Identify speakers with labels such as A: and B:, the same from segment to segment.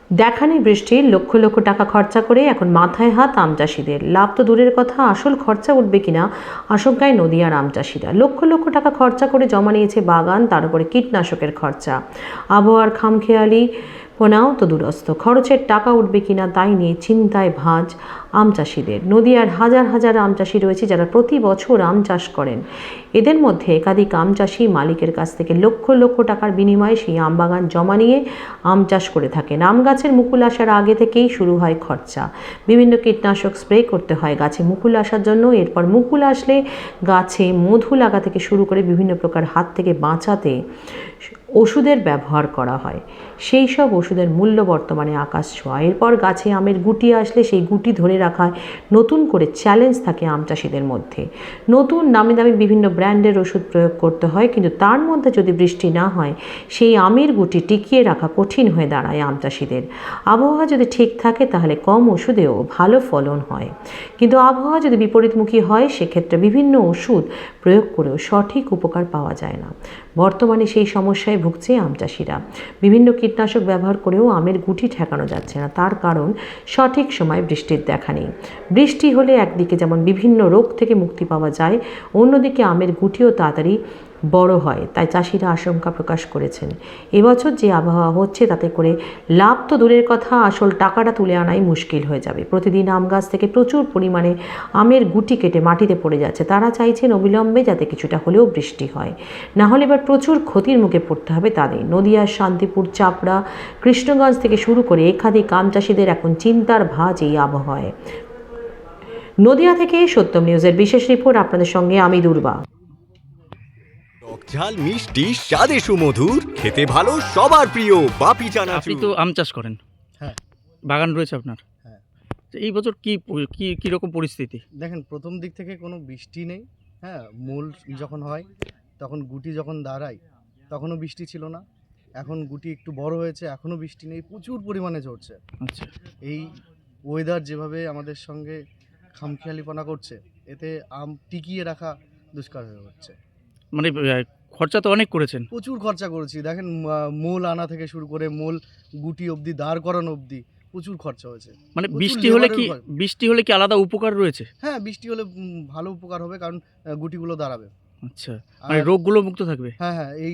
A: দেখানি বৃষ্টির লক্ষ লক্ষ টাকা খরচা করে এখন মাথায় হাত আম চাষিদের। লাভ তো দূরের কথা, আসল খরচা উঠবে কিনা আশঙ্কায় নদিয়ার আম চাষিরা। লক্ষ লক্ষ টাকা খরচা করে জমা নিয়েছে বাগান, তার উপরে কীটনাশকের খরচা। আবহাওয়ার খামখেয়ালি পোনাও তো দুরস্ত। খরচের টাকা উঠবে কিনা তাই নিয়ে চিন্তায় ভাঁজ আম চাষিদের। নদিয়ার হাজার হাজার আম চাষি রয়েছে যারা প্রতি বছর আম চাষ করেন। এদের মধ্যে একাধিক আম চাষি মালিকের কাছ থেকে লক্ষ লক্ষ টাকার বিনিময়ে সেই আম বাগান জমা নিয়ে আম চাষ করে থাকেন। আম গাছের মুকুল আসার আগে থেকেই শুরু হয় খরচা। বিভিন্ন কীটনাশক স্প্রে করতে হয় গাছে মুকুল আসার জন্য। এরপর মুকুল আসলে গাছে মধু লাগা থেকে শুরু করে বিভিন্ন প্রকার হাত থেকে বাঁচাতে ওষুধের ব্যবহার করা হয়। সেই সব ওষুধের মূল্য বর্তমানে আকাশ ছোঁয়া। এরপর গাছে আমের গুটি আসলে সেই গুটি ধরে রাখায় নতুন করে চ্যালেঞ্জ থাকে আম চাষিদের মধ্যে। নতুন দামি দামি বিভিন্ন ব্র্যান্ডের ওষুধ প্রয়োগ করতে হয়, কিন্তু তার মধ্যে যদি বৃষ্টি না হয় সেই আমের গুটি টিকিয়ে রাখা কঠিন হয়ে দাঁড়ায় আম চাষিদের। আবহাওয়া যদি ঠিক থাকে তাহলে কম ওষুধেও ভালো ফলন হয়, কিন্তু আবহাওয়া যদি বিপরীতমুখী হয় সেক্ষেত্রে বিভিন্ন ওষুধ প্রয়োগ করেও সঠিক উপকার পাওয়া যায় না। বর্তমানে সেই সমস্যায় ভুগছে আম চাষিরা। বিভিন্ন কীটনাশক ব্যবহার করেও আমের গুটি ঠেকানো যাচ্ছে না, তার কারণ সঠিক সময় বৃষ্টির দেখা নেই। বৃষ্টি হলে একদিকে যেমন বিভিন্ন রোগ থেকে মুক্তি পাওয়া যায়, অন্যদিকে আমের গুটিও তাড়াতাড়ি বড় হয়, তাই চাষিরা আশঙ্কা প্রকাশ করেছেন। এবছর যে আবহাওয়া হচ্ছে তাতে করে লাভ তো দূরের কথা, আসল টাকাটা তুলে আনাই মুশকিল হয়ে যাবে। প্রতিদিন আম গাছ থেকে প্রচুর পরিমাণে আমের গুটি কেটে মাটিতে পড়ে যাচ্ছে। তারা চাইছেন অবিলম্বে যাতে কিছুটা হলেও বৃষ্টি হয়, না হলে এবার প্রচুর ক্ষতির মুখে পড়তে হবে তাদের। নদিয়ার শান্তিপুর, চাপড়া, কৃষ্ণগঞ্জ থেকে শুরু করে একাধিক আম চাষিদের এখন চিন্তার ভাঁজ এই আবহাওয়ায়। নদিয়া থেকে সত্যম নিউজের বিশেষ রিপোর্ট, আপনাদের সঙ্গে আমি দুর্বা।
B: ঝাল মিষ্টি স্বাদে সুমধুর, খেতে ভালো সবার প্রিয় বাপি
C: আপনি
B: চানাচুর।
C: তো আম চাষ করেন,
D: হ্যাঁ
C: বাগান রয়েছে আপনার।
D: হ্যাঁ
C: তো এই বছর কি রকম পরিস্থিতি?
D: দেখেন, প্রথম দিক থেকে কোনো বৃষ্টি নেই। হ্যাঁ, মূল যখন হয় তখন গুটি যখন দাঁড়ায় তখনও বৃষ্টি ছিল না। এখন গুটি একটু বড় হয়েছে, এখনও বৃষ্টি নেই, প্রচুর পরিমাণে ঝরছে।
C: আচ্ছা,
D: এই ওয়েদার যেভাবে আমাদের সঙ্গে খামখেয়ালিপনা করছে, এতে আম টিকিয়ে রাখা দুষ্কার হয়ে হচ্ছে।
C: মানে খরচা তো অনেক করেছেন।
D: প্রচুর খরচা করেছি, দেখেন মূল আনা থেকে শুরু করে মূল গুটি অবধি, দাঁড় করানো অবধি প্রচুর খরচা হয়েছে।
C: মানে
D: প্রচুর
C: বৃষ্টি হলে কি আলাদা উপকার রয়েছে?
D: হ্যাঁ, বৃষ্টি হলে ভালো উপকার হবে, কারণ গুটিগুলো দাঁড়াবে।
C: আচ্ছা, মানে রোগগুলো মুক্ত থাকবে।
D: হ্যাঁ হ্যাঁ, এই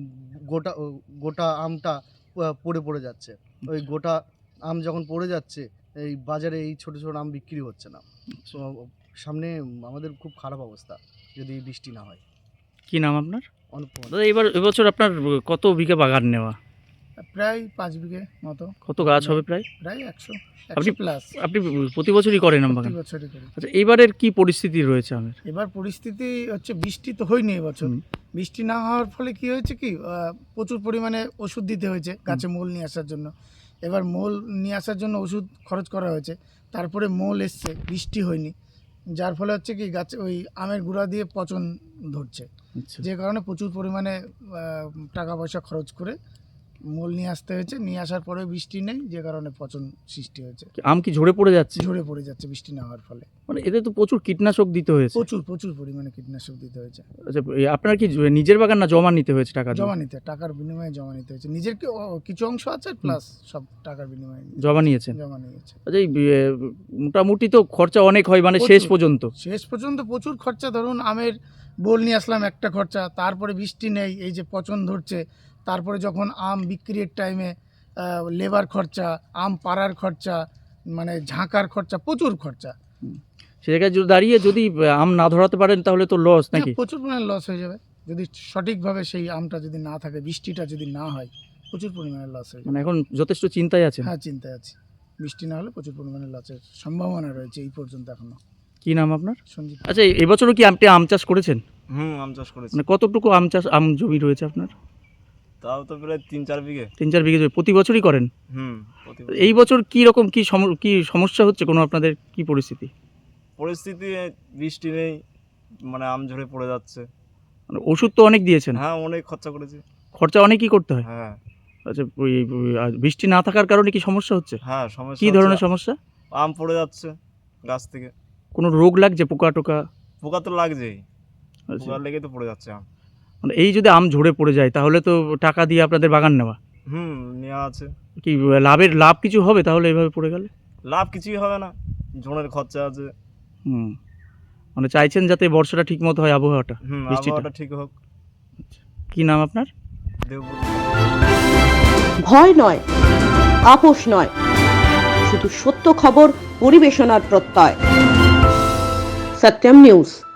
D: গোটা গোটা আমটা পড়ে পড়ে যাচ্ছে। ওই গোটা আম যখন পড়ে যাচ্ছে, এই বাজারে এই ছোট ছোট আম বিক্রি হচ্ছে না। তো সামনে আমাদের খুব খারাপ অবস্থা যদি বৃষ্টি না হয়।
C: কি নাম আপনার?
D: অনুপম।
C: দাদা, এবছর আপনার কত বিঘা বাগান নেওয়া?
E: প্রায় 5 বিঘে মতো।
C: কত গাছ হবে প্রায়?
E: প্রায় 100
C: আপনি
E: প্লাস।
C: আপনি প্রতি বছরই করেন আম বাগান?
E: প্রতি বছরই করি।
C: আচ্ছা, এইবারের কি পরিস্থিতি রয়েছে আমের?
E: এবার পরিস্থিতি হচ্ছে, বৃষ্টি তো হয়নি এবছর।
C: হুম।
E: বৃষ্টি না হওয়ার ফলে কি হয়েছে, কি প্রচুর পরিমাণে ওষুধ দিতে হয়েছে গাছে মূল নিয়ে আসার জন্য। এবার মূল নিয়ে আসার জন্য ওষুধ খরচ করা হয়েছে, তারপরে মূল এসছে, বৃষ্টি হয়নি, যার ফলে হচ্ছে কি গাছ ওই আমের গুঁড়া দিয়ে পচন ধরছে।
C: আচ্ছা,
E: যে কারণে প্রচুর পরিমাণে টাকা পয়সা খরচ করে মূল নিয়ে আসতে হয়েছে। নিয়ে আসার পরে বৃষ্টি নেই, যে কারণে পচন সৃষ্টি হয়েছে।
C: আম কি ঝরে পড়ে যাচ্ছে?
E: ঝরে পড়ে যাচ্ছে বৃষ্টি না হওয়ার ফলে।
C: মানে এতে তো প্রচুর কীটনাশক দিতে হয়েছে।
E: প্রচুর প্রচুর পরিমাণে কীটনাশক দিতে হয়েছে।
C: আচ্ছা, আপনার কি নিজের বাগান না জমা নিতে হয়েছে টাকা দিয়ে?
E: জমা নিতে, টাকার বিনিময়ে জমা নিতে হয়েছে। নিজের কিছু অংশ আছে, প্লাস সব টাকার বিনিময়ে
C: জমা নিয়েছেন?
E: জমা নিয়েছে।
C: আচ্ছা, এই মোটামুটি তো খরচা অনেক হয়, মানে শেষ
E: প্রচুর।
C: পর্যন্ত।
E: শেষ পর্যন্ত প্রচুর খরচা। ধরুন আমের বোল নিয়ে আসলাম, একটা খরচা, তারপরে বৃষ্টি নেই, এই যে পচন ধরছে, তারপরে যখন আম বিক্রির টাইমে লেবার খরচা, আম পাড়ার খরচা, মানে ঝাঁকার খরচা, প্রচুর খরচা।
C: সে জায়গায় যদি দাঁড়িয়ে যদি আম না ধরাতে পারেন তাহলে তো লস নাকি?
E: প্রচুর পরিমাণে লস হয়ে যাবে যদি সঠিকভাবে সেই আমটা যদি না থাকে, বৃষ্টিটা যদি না হয়, প্রচুর পরিমাণে লস হয়ে যাবে।
C: মানে এখন যথেষ্ট চিন্তায় আছেন?
E: হ্যাঁ, চিন্তায় আছি। বৃষ্টি না হলে প্রচুর পরিমাণে লসের সম্ভাবনা রয়েছে এই পর্যন্ত এখনো।
C: কি নাম আপনার?
E: সঞ্জিত।
C: আচ্ছা, এবছরও কি আপনি আম চাষ করেছেন?
F: আম চাষ করেছি।
C: মানে কতটুকু আম জমি রয়েছে আপনার?
F: তাও তো প্রায় 3-4 বিঘে।
C: 3-4 বিঘে জমি প্রতি বছরই করেন?
F: প্রতি
C: এই বছর কি রকম কি সমস্যা হচ্ছে কোনো আপনাদের? কি পরিস্থিতি?
F: পরিস্থিতি বৃষ্টি নেই, মানে আম ঝরে পড়ে যাচ্ছে।
C: মানে ওষুধ তো অনেক দিয়েছেন।
F: হ্যাঁ, অনেক খরচা করেছি।
C: খরচা অনেকই করতে হয়।
F: হ্যাঁ
C: আচ্ছা, বৃষ্টি না থাকার কারণে কি সমস্যা হচ্ছে?
F: হ্যাঁ, সমস্যা
C: কি
F: হচ্ছে।
C: ধরনের সমস্যা?
F: আম পড়ে যাচ্ছে গাছ থেকে।
C: কোনো রোগ লাগছে, পোকা টোকা?
F: পোকা তো লাগছেই,
C: আচ্ছা,
F: পোকা লেগে তো পড়ে যাচ্ছে আম।
C: মানে এই যদি আম ঝরে পড়ে যায় তাহলে তো টাকা দিয়ে আপনাদের বাগান নেওয়া।
F: নেওয়া আছে।
C: কি লাভ কিছু হবে তাহলে এইভাবে পড়ে গেলে?
F: লাভ কিছুই হবে না, ঝোনের খরচা আছে।
C: হুম, মানে চাইছেন যাতে বর্ষাটা ঠিক মতো হয়, আবহাওয়াটা, বৃষ্টিটা।
F: আবহাওয়াটা ঠিক হোক।
C: কি নাম আপনার?
F: দেবপুর।
G: ভয় নয়, আপোষ নয়, শুধু সত্য খবর পরিবেশনার প্রত্যয়। সত্যম নিউজ।